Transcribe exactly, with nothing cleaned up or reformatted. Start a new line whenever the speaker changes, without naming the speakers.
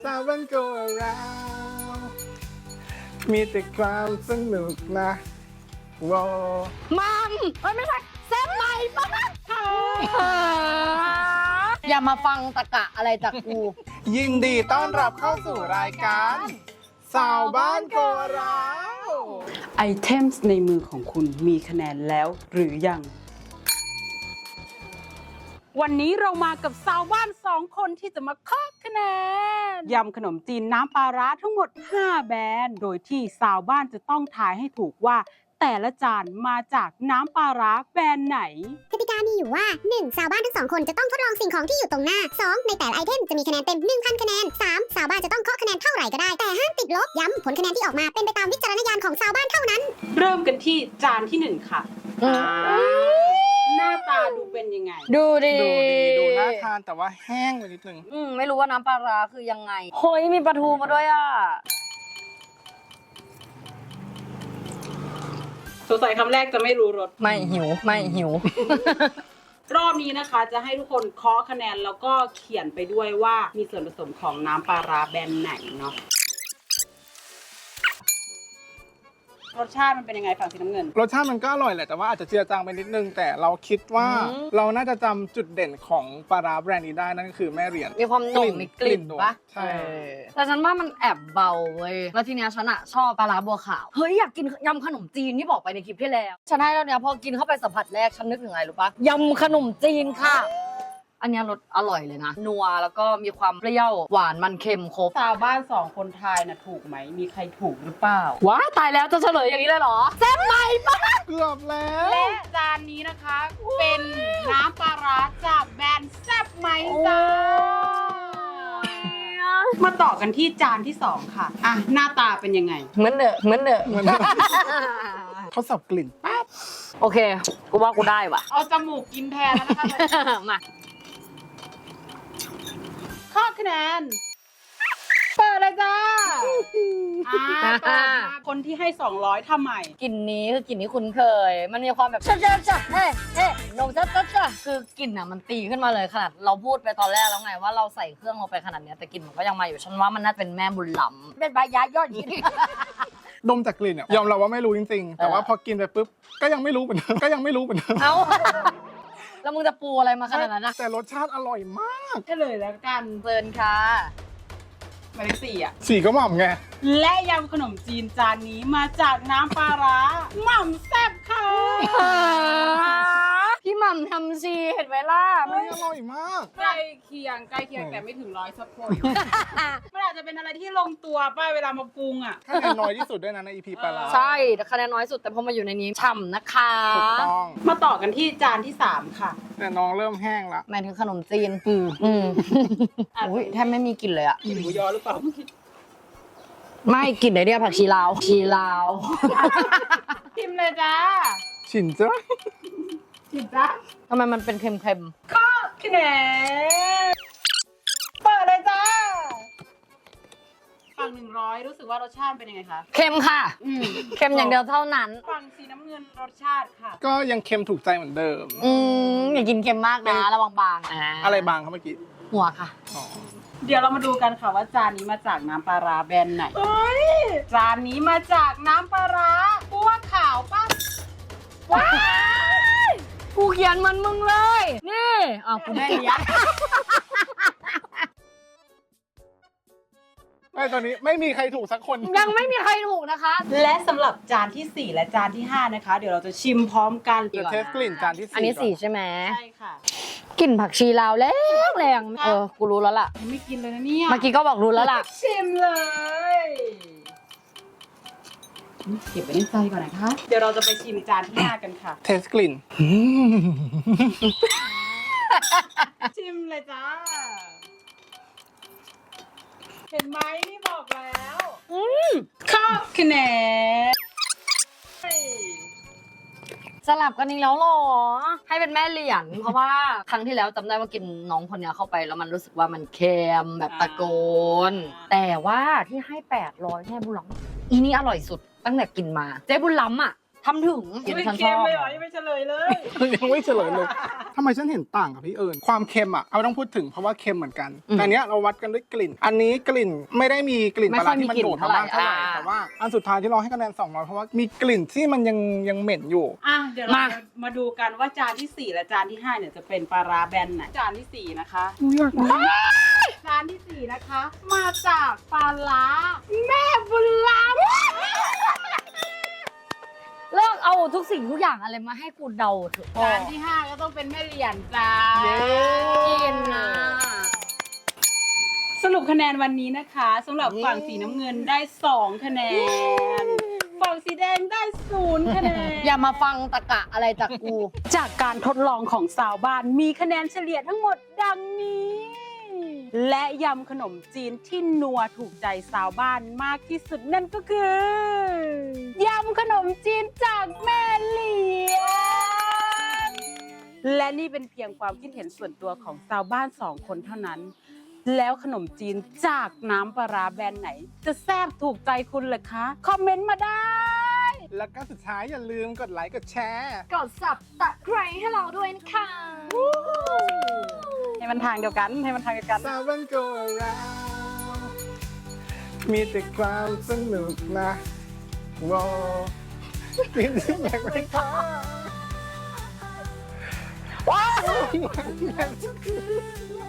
สาวบ้านโกเรามีแต่ความสนุกนะว้าว
มัมเอ้ยไม่ใช่แซ่บใหม่ปะอย่ามาฟังตะกะอะไรจากกู
ยินดีต้อนรับเข้าสู่รายการสาวบ้านโกเรา
ไอเทมส์ในมือของคุณมีคะแนนแล้วหรือยัง วันนี้เรามากับสาวบ้านสองคนที่จะมาเคาะคะแนนยำขนมจีนน้ำปลาร้าทั้งหมดห้าแบรนด์โดยที่สาวบ้านจะต้องทายให้ถูกว่าแต่ละจานมาจากน้ำปลาร้าแบรนด์ไหน
กติกามีอยู่ว่า หนึ่ง สาวบ้านทั้งสองคนจะต้องทดลองสิ่งของที่อยู่ตรงหน้า สอง ในแต่ละไอเทมจะมีคะแนนเต็ม หนึ่งพัน คะแนน สาม สาวบ้านจะต้องเคาะคะแนนเท่าไหร่ก็ได้ แต่ห้ามติดลบ ย้ำผลคะแนนที่ออกมาเป็นไปตามวิจารณญาณของสาวบ้านเท่านั้น
เริ่มกันที่จานที่หนึ่งค่ะหน้าตาดูเป็นยังไง
ดูดิ
ดูดีดูน่าทานแต่ว่าแห้งไปนิดนึง
อืมไม่รู้ว่าน้ำปลาร้าคือยังไงเฮ้ยมีปลาทูมาด้วยอ่ะ
สงสัยคำแรกจะไม่รู้รส
ไม่หิวไม่หิว
รอบนี้นะคะจะให้ทุกคนเคาะคะแนนแล้วก็เขียนไปด้วยว่ามีส่วนผสมของน้ำปลาร้าแบรนด์ไหนเนาะรสชาติมันเป็นยังไงฝั่งสีน้ำเงิน
รสชาติมันก็อร่อยแหละแต่ว่าอาจจะเจือจางไปนิดนึงแต่เราคิดว่า
อืม
เราน่าจะจำจุดเด่นของปลาร้าแบรนด์นี้ได้นั่นก็คือแม่เหรียญ
มีความหนุ่มมีกลิ่น
กลิ่น
ปะ
ใช่
เออแต่ฉันว่ามันแอบเบาเว้ยแล้วทีเนี้ยฉันอะชอบปลาร้าบัวขาวเฮ้ยอยากกินยำขนมจีนที่บอกไปในคลิปที่แล้วฉันให้แล้วเนี้ยพอกินเข้าไปสัมผัสแรกฉันนึกถึงอะไรรู้ปะยำขนมจีนค่ะ อันเนี้ยรสอร่อยเลยนะนัวแล้วก็มีความเปรี้ยวหวานมันเค็มครบ
ชาวบ้านสองคนทายนะถูกไหมมีใครถูกหรือเปล่า
ว้าตายแล้วจะเฉลยอย่างนี้เลยเหรอแซ่บไหมปะ
เกือบแล้ว
และจานนี้นะคะ เป็นน้ำปลาร้าจากแบรนด์แซ่บไหมจ้ามาต่อกันที่จานที่สองค่ะอ่ะหน้าตาเป็นยังไง
เหมือนเดอะเหมือนเดอะ
มัน เขาสับกลิ่นปั๊บ
โอเคกูว่ากูได้ว่ะ
เอาจมูกกินแทนแล้วนะคะ
มา
ข้อคะแนนเปิดเลยจ้าอ่าเปิดมาคนที่ให้สองร้อยทำใหม่
กลิ่นนี้คือกลิ่นที่คุ้นเคย มันมีความแบบจ้าจ้าจ้าเฮ้เฮ้นมจ้าจ้าจ้าคือกลิ่นอ่ะมันตีขึ้นมาเลยขนาดเราพูดไปตอนแรกแล้วไงว่าเราใส่เครื่องลงไปขนาดเนี้ยแต่กลิ่นมันก็ยังมาอยู่ฉันว่ามันน่าจะเป็นแม่บุญหลำเป็นใบยายอดฮิต
ดมจากกลิ่นอะยอมรับว่าไม่รู้จริงๆ แต่ว่าพอกินไปปุ๊บก็ยังไม่รู้เหมือนเดิมก็ยังไม่รู้เหมือนเดิม
เอ้า แล้วมึงจะปูอะไรมาขนาดนั้นนะ
แต่รสชาติอร่อยมาก
เฉลยแล้วกัน
เซินค่ะ
หมายเลขสี่อ่ะ
สีก็หม่ำไง
และยำขนมจีนจานนี้มาจากน้ำปลาร้าหม่ำแซ่บค่ะ
พี่หม่ำทำซีเห็นไหมล่ะ
เฮ้ยอร่อยมาก
ใกล้เคียงใกล้เคียงแต่ไม่ถึงร้อยสักคนมันอาจจะเป็นอะไรที่ลงตัวป้าเวลามาปรุงอ่ะ
คะแนนน้อยที่สุดด้วยนะใน อี พี ปลาร้า
ใช่แต่คะแนนน้อยสุดแต่พอมาอยู่ในนี้ฉ่ำนะคะ
ถูกต้อง
มาต่อกันที่จานที่สามค่ะ
แต่น้องเริ่มแห้งละ
หมายถึงขนมจีนอืมอืมอุ้ยแทบไม่มีกลิ่นเลยอะ
กินหมูยอหรือเปล่า
ไม่กลิ่นไหนเนี่ยผักชีลาวชีลาว
ชิมเลยจ้า
ฉินจ้ะ
ชิมจ้า
ทำไมมันเป็นเค็ม
ข้อคะแนนเปิดเลยจ้าฝั่งหนึ่งร้อยรู้สึกว่ารสชาติเป็นยังไงคะ
ๆเค็มค่ะ
อืม
เค็มอย่างเดียวเท่านั้น
ฝั่งสีน้ำเงินรสชาติค่ะ
ก็ยังเค็มถูกใจเหมือนเดิม
อืมอย่ากินเค็มมากนะระวังบาง
อะไรบางครับเมื่อกี้
หัวค่ะ
อ๋อ
เดี๋ยวเรามาดูกันค่ะว่าจานนี้มาจากน้ำปลาร้าแบรนด์ไหนจานนี้มาจากน้ำปลาร้าบัวขาวป่ะ
ว้ายกูเขียนเหมันมึงเลย นี่อ้าวกูได้ยัด
ไม่ตอนนี้ไม่มีใครถูกสักคน
ยังไม่มีใครถูกนะคะ
และสำหรับจานที่สี่และจานที่ห้านะคะ เดี๋ยวเราจะชิมพร้อมกัน
จะเทสกลิ่นจานที่สี่
อันนี้สี่
ก่
ใช่ไหม
ใช่ค่ะ
กลิ่นผักชีลาวแรงแรงเออ กูรู้แล้วล่ะ
ยังไม่กินเลยนะเนี่ย
เมื่อกี้ก็บอกรู้แล้วล่ะ
ชิมเลยเก็บไว้ในใจก่อนนะคะ เดี๋ยวเราจะไปชิมจานที่ห้ากันค่ะ
เทสกลิ่น
ชิมเลยจ้า เห็นไหมนี่บอกแล้วข้อคะแนน
สลับกันอีกแล้วเหรอ ให้เป็นแม่เหรียญ เพราะว่าครั้งที่แล้วจำได้ว่ากินน้องคนเนี้ยเข้าไปแล้วมันรู้สึกว่ามันเค็มแบบตะโกน แต่ว่าที่ให้แปดร้อยแม่บุญล้ำอีนี่อร่อยสุดตั้งแต่กินมา เจ๊บุญล้ำอ่ะทำถึงกิน
ไม่
ฉันช
เค็ม
อบ
เลยเหรอยังไม่เฉลยเลย
ยังไม่เฉลยเลยทำไมฉันเห็นต่างกับพี่เอิญความเค็มอ่ะเอาต้องพูดถึงเพราะว่าเค็มเหมือนกันแต่อันเนี้ยเราวัดกันด้วยกลิ่น อันนี้กลิ่นไม่ได้มีกลิ่นปลาร้าที่มันโดดมามากเท่าไหร่แต่ว่าอันสุดท้ายที่เราให้คะแนนสองร้อยเพราะว่ามีกลิ่นที่มันยังยังเหม็นอยู่
อ่ะเดี๋ยวเราจะมาดูกันว่าจานที่สี่และจานที่ห้าเนี่ยจะเป็นปลาร้าแบนไหนจานที่สี่นะคะจานที่สี่นะคะ มาจากปลาร้าแม่บุญล้
เลิกเอาทุกสิ่งทุกอย่างอะไรมาให้กูเดาเถอะ
ำจานที่ห้าก็ต้องเป็นแม่เหรียญจ้า
เย้
กินนะ
สรุปคะแนนวันนี้นะคะสำหรับฝั่งสีน้ำเงินได้สองคะแนนฝั่งสีแดงได้ศูนย์คะแนน
อย่ามาฟังตะกะอะไรจากกู
จากการทดลองของสาวบ้านมีคะแนนเฉลี่ยทั้งหมดดังนี้ และยำขนมจีนที่นัวถูกใจสาวบ้านมากที่สุดนั่นก็คือยำขนมจีนจากแม่เหลียญและนี่เป็นเพียงความคิดเห็นส่วนตัวของสาวบ้านสองคนเท่านั้น แล้วขนมจีนจากน้ำปลาร้าแบรนด์ไหน จะแซ่บถูกใจคุณเหรอคะ คอมเมนต์มาได้
แล้วก็สุดท้ายอย่าลืมกดไลค์กดแชร์
กดสับตะไคร้ให้เราด้วยนะคะ
ให้มันทางเดียวกันให้มันทางเดียวกัน
สาวบันโกเรามีแต่ความสนุกนะว้าวกินที่แบกไปค่ะว้าว